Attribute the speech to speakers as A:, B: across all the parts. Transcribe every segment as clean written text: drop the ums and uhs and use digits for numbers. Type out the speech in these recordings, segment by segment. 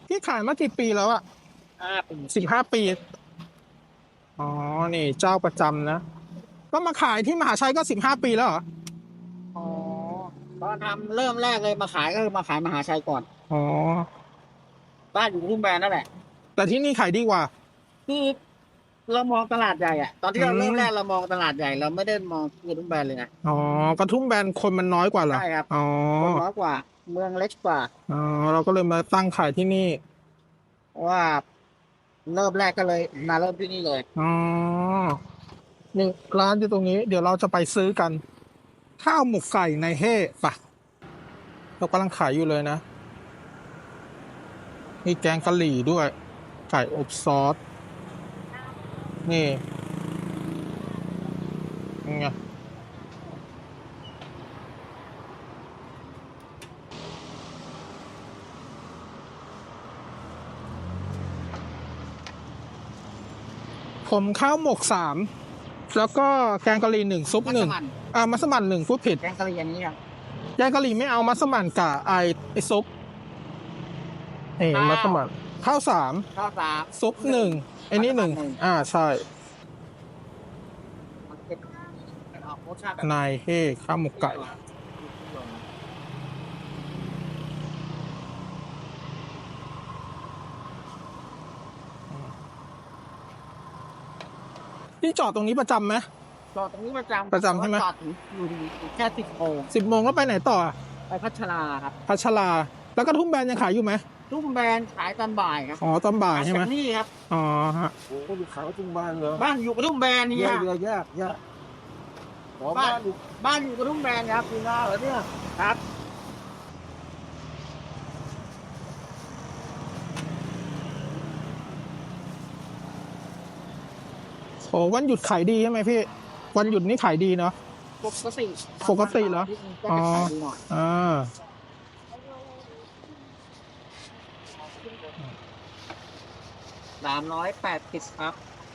A: พี่ขายมากี่ปีแล้วอะ
B: ปี
A: 15 ปีอ๋อนี่เจ้าประจำนะก็มาขายที่มหาชัยก็15 ปีแล้วเหรอ
B: อ๋อตอนทำเริ่มแรกเลยมาขายก็คือมาขายมหาชัยก่อน
A: อ๋อ
B: บ้านอยู่ทุ่งแบนนั่นแหละ
A: แต่ที่นี่ขายดีกว่า
B: คือเรามองตลาดใหญ่อะตอน
A: อื
B: ที่เราเริ่มแรกเรา
A: ม
B: มองตลาดใหญ่เราไม่ได้มองคือทุ่งแบนเลยนะ
A: อ๋อกระทุ่มแบนคนมันน้อยกว่าเหรอ
B: ใช่ครับ
A: อ๋อ
B: คนน้อยกว่าเมืองเล็กกว่า
A: อ๋อเราก็เลยมาตั้งขายที่นี่
B: เพราะว่าเริ่มแรกก็เลยมาเริ่มที่นี่เลย
A: อ๋อนี่ร้านอยู่ตรงนี้เดี๋ยวเราจะไปซื้อกันข้าวหมกไก่ในเฮ่ปะเรากำลังขายอยู่เลยนะมีแกงกะหรี่ด้วยไก่อบซอสนี่ไงผมข้าวหมก3แล้วก็แกงกะหรี่1ซุป
B: มัส
A: 1
B: มั่น
A: มัสมั่น1พูดผิด
B: แกงกะหรี่อันนี้ครับ
A: แกงกะหรี่ไม่เอามัสมั่นกับไอซุปนี่มัสมั่นข้าว3
B: ข้าวสาม
A: ซุป1ไอ้นี่1ใช่
B: มันเป็นออกรสชาติแบบ
A: นายเฮ่ข้าวหมกไก่พี่จอดตรงนี้ประจำไหม
B: จอดตรงนี้ประจำ
A: ประจำใช่ไหม
B: จอดอยู่แค่10 โมง
A: 10 โมงก็ไปไหนต่ออะ
B: ไปพัชราครับ
A: พัชราแล้วก็ทุ่มแบนยังขายอยู่ไหม
B: ทุ่งแบนขายตอนบ่ายครับ
A: อ๋อตอนบ่ายใช่ไหม
B: จากนี่ครับ
A: อ๋อฮะ
C: โอ้โหอยู่ขาวจุงบ้านเหรอ
B: บ้านอยู่กระทุ่มแบนนี่
C: เยอะ
B: ฮะ
C: เยอะยากยากขอ
B: บ้า
C: บ้าน นอยู่
B: บ้านอยู่กระทุ่มแบนครับคุณนาเหรอเนี่ยครับ
A: โอ้วันหยุดขายดีใช่ไหมพี่วันหยุดนี่ขายดีเนาะ
B: ปกติ
A: ปกติเหรอ
B: ก็จะขายดีหน่อย
A: อ่า
B: 380ครับ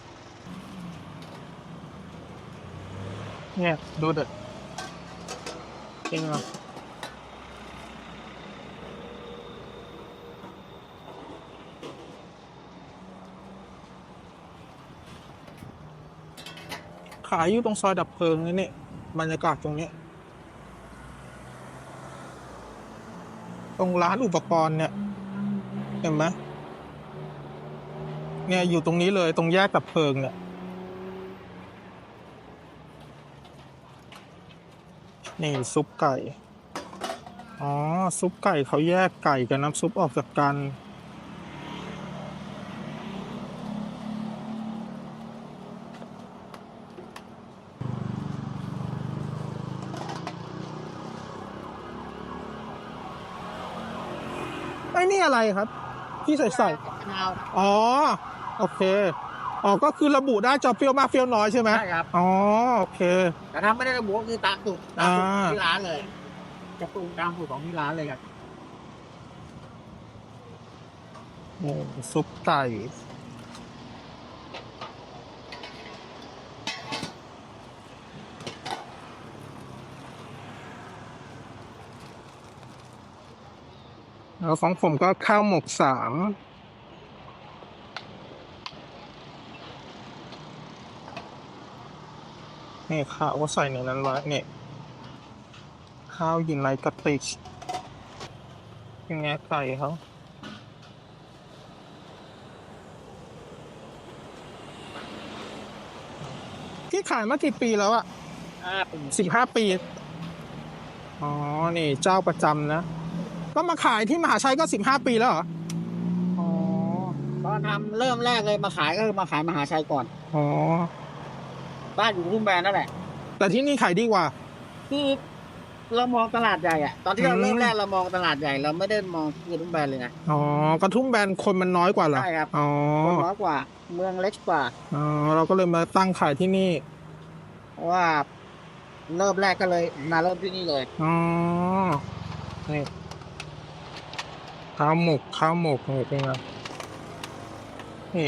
A: เนี่ยดูเด็ดจริงเหรอขายอยู่ตรงซอยดับเพลิงนี่บรรยากาศตรงนี้ตรงร้านอุปกรณ์เนี่ยเห็นไหมเนี่ยอยู่ตรงนี้เลยตรงแยกดับเพลิงเนี่ยนี่ซุปไก่อ๋อซุปไก่เขาแยกไก่กับน้ำซุปออกจากกันไอ้นี่อะไรครับที่ใส่
B: มะนาว
A: อ๋อโอเคอ๋อก็คือระบุได้จะเปรี้ยวมากเปรี้ยวน้อยใช่ไหม
B: ใช่ครับ
A: อ๋อโอเค
B: แต่ถ้าไม่ได้ระบุก็คือตามสูตรที่ร้านเลยจะปรุงตามสูตรของที่ร้านเลยครับ
A: นี่ซุปไก่แล้วของผมก็ข้าวหมก3นี่ข้าวก็ใส่ในนั้นไว้เนี่ยข้าวอยู่ในกระติกยังไงไก่เขาพี่ขายมากี่ปีแล้วอะ
B: ปี
A: 15 ปีอ๋อนี่เจ้าประจำนะก็มาขายที่มหาชัยก็15 ปีแล้วเหรอ
B: อ๋อตอนทำเริ่มแรกเลยมาขายก็คือมาขายมหาชัยก่อน
A: อ๋อ
B: บ้านอยู่ทุ่งแบนนั่นแหละ
A: แต่ที่นี่ขายดีกว่า
B: คือเรามองตลาดใหญ่อะตอนที่เราเริ่มแรกเรามองตลาดใหญ่เราไม่ได้มองคือทุ่งแบนเลยนะ
A: อ๋อกระทุ่มแบนคนมันน้อยกว่าเหรอ
B: ใช่ครับ
A: อ๋อ
B: คนน้อยกว่าเมืองเล็กกว่า
A: อ๋อเราก็เลยมาตั้งขายที่นี่
B: เพราะว่าเริ่มแรกก็เลยมาเริ่มที่นี่เลย
A: อ๋อนี่ข้าวหมกนี่เป็นไงนี่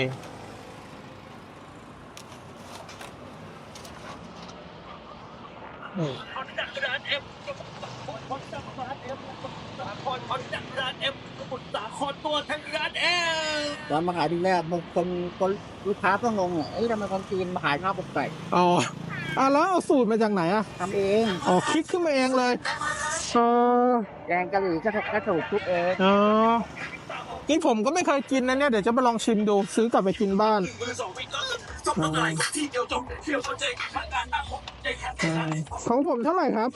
A: นี่
D: มุทรสาครตัวทั้งนั้นเอง
B: ตอนมาขายทีแรกบางคนลูกค้าก็งงอ่ะเอ้ยทำไมคนจีนมาขายข้าวหมกไก่
A: อ๋อแล้วเอาสูตรมาจากไหนอ่ะ
B: ทำเอง
A: อ๋อคิดขึ้นมาเองเลยเออ
B: แกงกะหรี่ก็ถูกทุกเอง
A: อ๋อนี่ผมก็ไม่เคยกินนะเนี่ยเดี๋ยวจะไปลองชิมดูซื้อกลับไปกินบ้าน ของผมเท่าไหร่ครับ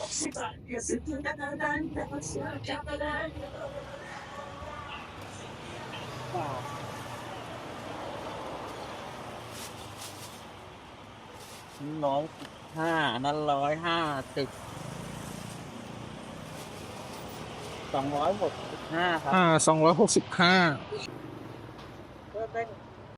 B: 105นั่น150 265ครับ
A: 265
B: เพิ่มได้